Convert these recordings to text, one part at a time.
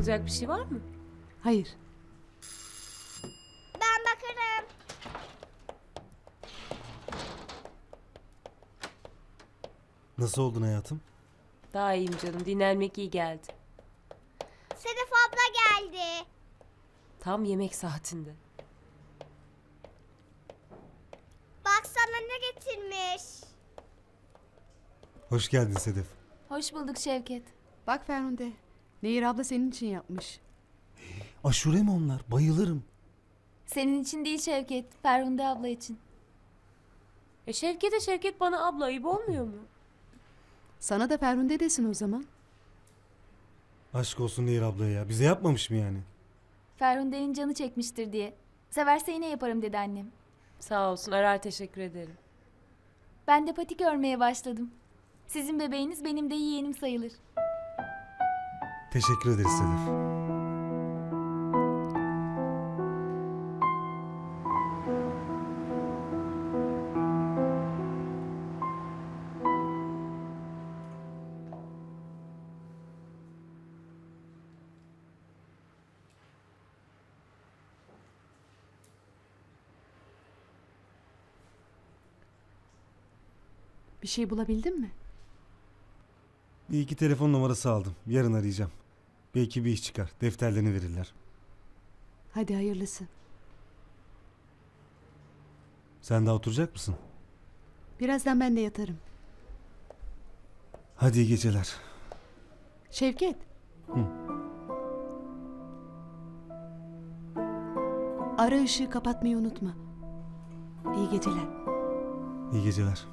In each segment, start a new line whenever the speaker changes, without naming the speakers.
Anlatılacak bir şey var mı?
Hayır.
Ben bakarım.
Nasıl oldun hayatım?
Daha iyiyim canım. Dinlenmek iyi geldi.
Sedef abla geldi.
Tam yemek saatinde.
Baksana ne getirmiş.
Hoş geldin Sedef.
Hoş bulduk Şevket.
Bak Ferhunde. Nehir abla senin için yapmış.
Aşure mi onlar? Bayılırım.
Senin için değil Şevket, Ferhunde abla için.
Şevket bana abla ayıp olmuyor mu?
Sana da Ferhunde desin o zaman.
Aşk olsun Nehir ablaya ya. Bize yapmamış mı yani?
Ferhunde'nin canı çekmiştir diye. Severse yine yaparım dedi annem.
Sağ olsun, arar, teşekkür ederim.
Ben de patik örmeye başladım. Sizin bebeğiniz benim de yeğenim sayılır.
Teşekkür ederiz Sedef.
Bir şey bulabildin mi?
Bir iki telefon numarası aldım. Yarın arayacağım. Belki bir iş çıkar. Defterlerini verirler.
Hadi hayırlısı.
Sen daha oturacak mısın?
Birazdan ben de yatarım.
Hadi iyi geceler.
Şevket.
Hı.
Ara ışığı kapatmayı unutma. İyi geceler.
İyi geceler.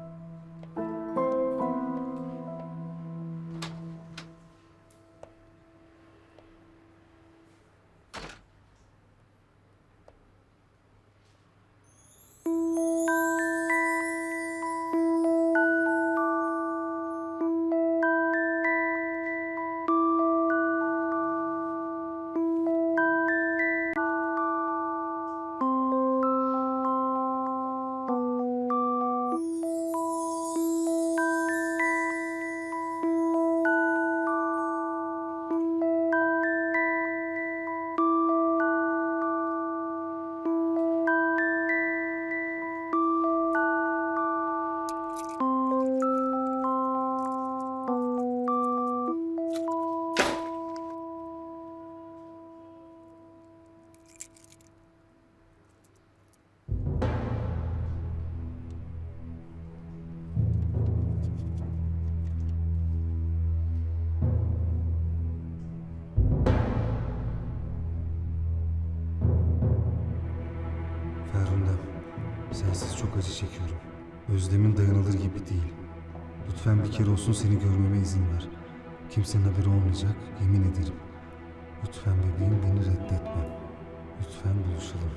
Ferhundem, sensiz çok acı çekiyorum. Özlemin dayanılır gibi değil. Lütfen bir kere olsun seni görmeme izin ver. Kimsenin haberi olmayacak, yemin ederim. Lütfen bebeğim beni reddetme. Lütfen buluşalım.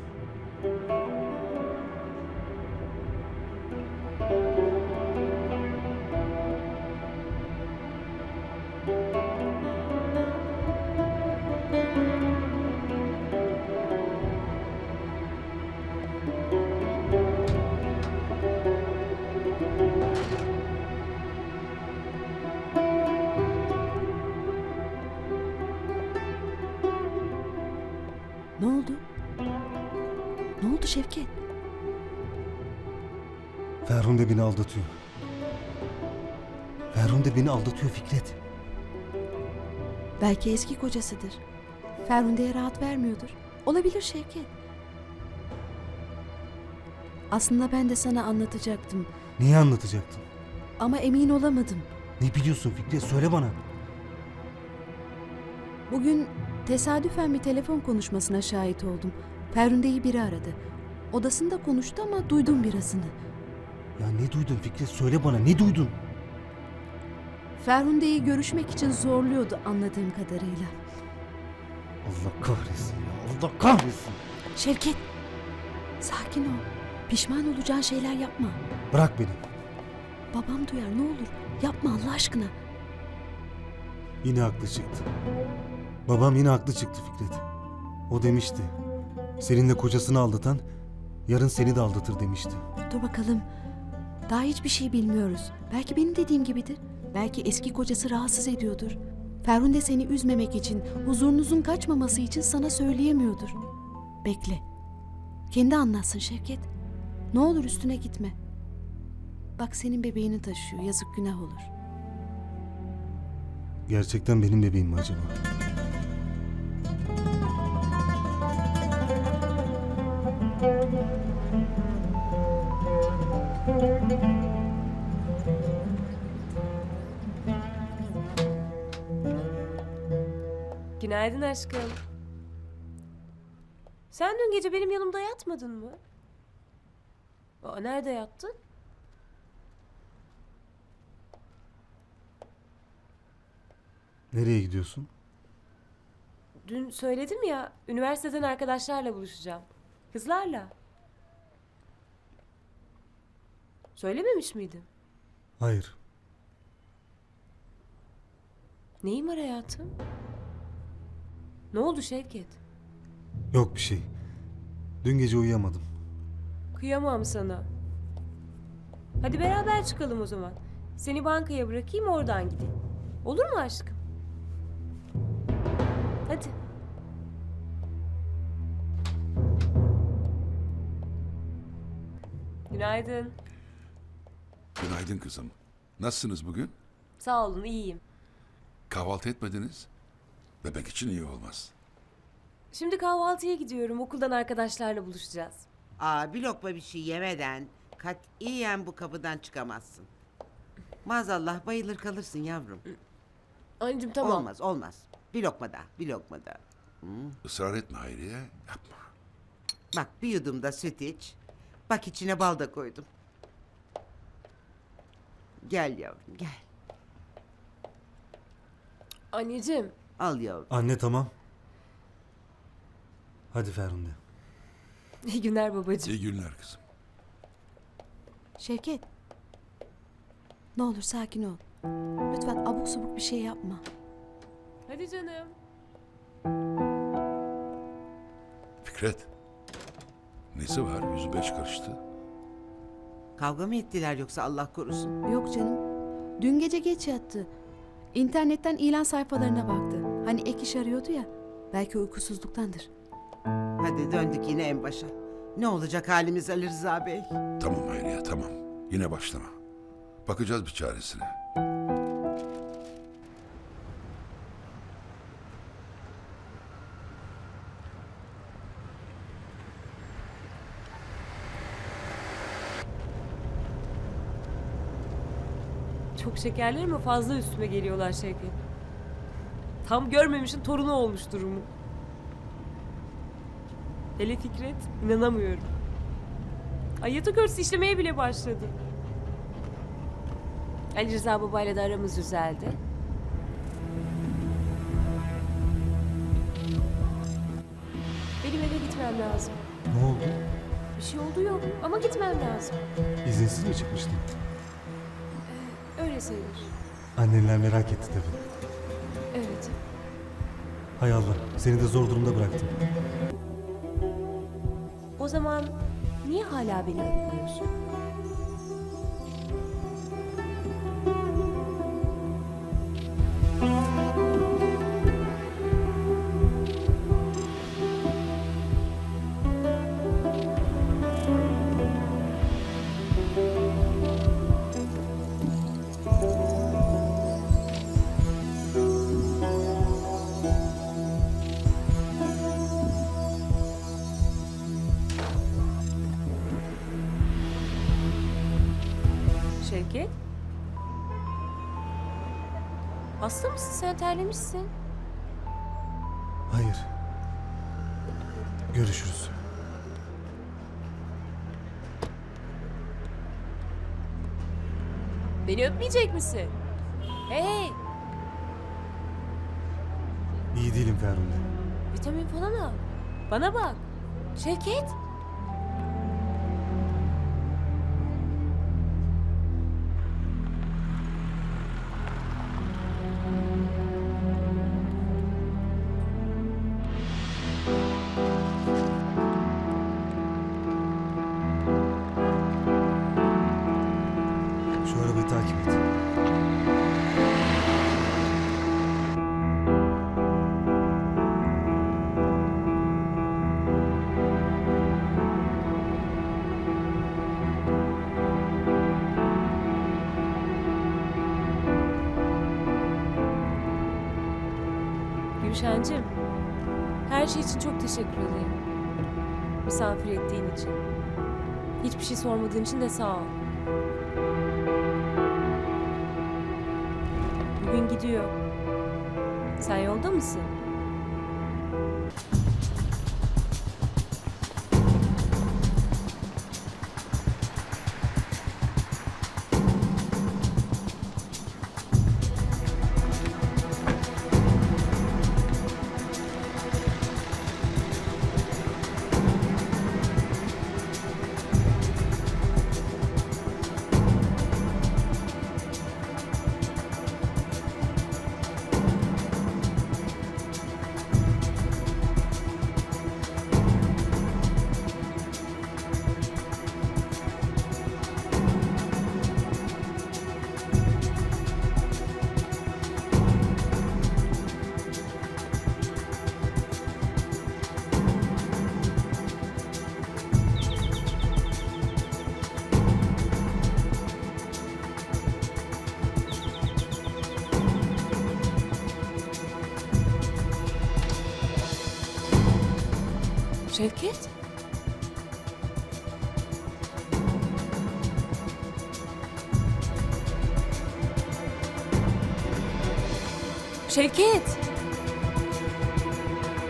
Ne oldu? Ne oldu Şevket?
Ferhunde beni aldatıyor. Ferhunde beni aldatıyor Fikret.
Belki eski kocasıdır. Ferhunde'ye rahat vermiyordur. Olabilir Şevket. Aslında ben de sana anlatacaktım.
Neyi anlatacaktın?
Ama emin olamadım.
Ne biliyorsun Fikret? Söyle bana.
Bugün tesadüfen bir telefon konuşmasına şahit oldum. Ferhunde'yi biri aradı. Odasında konuştu ama duydum birazını.
Ya ne duydun Fikret? Söyle bana, ne duydun?
Ferhunde'yi görüşmek için zorluyordu anladığım kadarıyla.
Allah kahretsin ya, Allah kahretsin.
Şevket, sakin ol. Pişman olacağın şeyler yapma.
Bırak beni.
Babam duyar, ne olur. Yapma Allah aşkına.
Yine haklı çıktı. Babam yine haklı çıktı Fikret. O demişti. Seninle kocasını aldatan yarın seni de aldatır demişti.
Dur bakalım. Daha hiçbir şey bilmiyoruz. Belki benim dediğim gibidir. Belki eski kocası rahatsız ediyordur. Ferhunde seni üzmemek için, huzurunuzun kaçmaması için sana söyleyemiyordur. Bekle. Kendi anlatsın Şevket. Ne olur üstüne gitme. Bak senin bebeğini taşıyor. Yazık, günah olur.
Gerçekten benim bebeğim mi acaba?
Günaydın aşkım. Sen dün gece benim yanımda yatmadın mı? Aa, nerede yattın?
Nereye gidiyorsun?
Dün söyledim ya, üniversiteden arkadaşlarla buluşacağım. Kızlarla. Söylememiş miydim?
Hayır.
Neyim var hayatım? Ne oldu Şevket?
Yok bir şey. Dün gece uyuyamadım.
Kıyamam sana. Hadi beraber çıkalım o zaman. Seni bankaya bırakayım, oradan gideyim. Olur mu aşkım? Hadi. Günaydın.
Günaydın kızım. Nasılsınız bugün?
Sağ olun, iyiyim.
Kahvaltı etmediniz. Bebek için iyi olmaz.
Şimdi kahvaltıya gidiyorum. Okuldan arkadaşlarla buluşacağız.
Bir lokma bir şey yemeden katiyen bu kapıdan çıkamazsın. Maazallah bayılır kalırsın yavrum.
Anneciğim tamam.
Olmaz. Bir lokma daha, bir lokma daha.
Israr etme Hayriye. Yapma.
Bak bir yudum da süt iç. Bak içine bal da koydum. Gel yavrum gel.
Anneciğim.
Al yavrum.
Anne tamam. Hadi Ferhunde.
İyi günler babacığım.
İyi günler kızım.
Şevket. Ne olur sakin ol. Lütfen abuk subuk bir şey yapma.
Hadi canım.
Fikret. Nesi var? Yüzü beş karıştı.
Kavga mı ettiler yoksa Allah korusun?
Yok canım. Dün gece geç yattı. İnternetten ilan sayfalarına baktı. Hani ek iş arıyordu ya. Belki uykusuzluktandır.
Hadi döndük yine en başa. Ne olacak halimiz Ali Rıza Bey?
Tamam Hayriye tamam. Yine başlama. Bakacağız bir çaresine.
Çok şekerler ama fazla üstüme geliyorlar Şevket. Tam görmemişin torunu olmuş durumu. Hele Fikret, inanamıyorum. Ay yatak örtüsü işlemeye bile başladı. Ali Rıza babayla da aramız düzeldi. Benim eve gitmem lazım.
Ne oldu?
Bir şey oldu yok ama gitmem lazım.
İzinsiz mi çıkmıştın?
Öyle sayılır.
Annenler merak etti tabii.
Evet.
Hay Allah, seni de zor durumda bıraktım.
O zaman niye hala beni arıyorsun? Şevket? Hasta mısın sen, terlemişsin?
Hayır. Görüşürüz.
Beni öpmeyecek misin? Hey!
İyi değilim Ferhunde.
Vitamin falan al. Bana bak. Şevket!
Şu arabayı takip et.
Gülşen'cim, her şey için çok teşekkür ederim. Misafir ettiğin için. Hiçbir şey sormadığın için de sağ ol. Bugün gidiyor. Sen yolda mısın? Şevket? Şevket!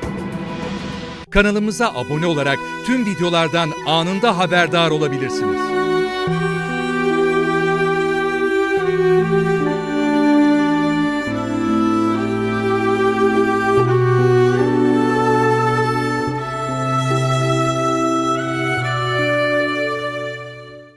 Kanalımıza abone olarak tüm videolardan anında haberdar olabilirsiniz.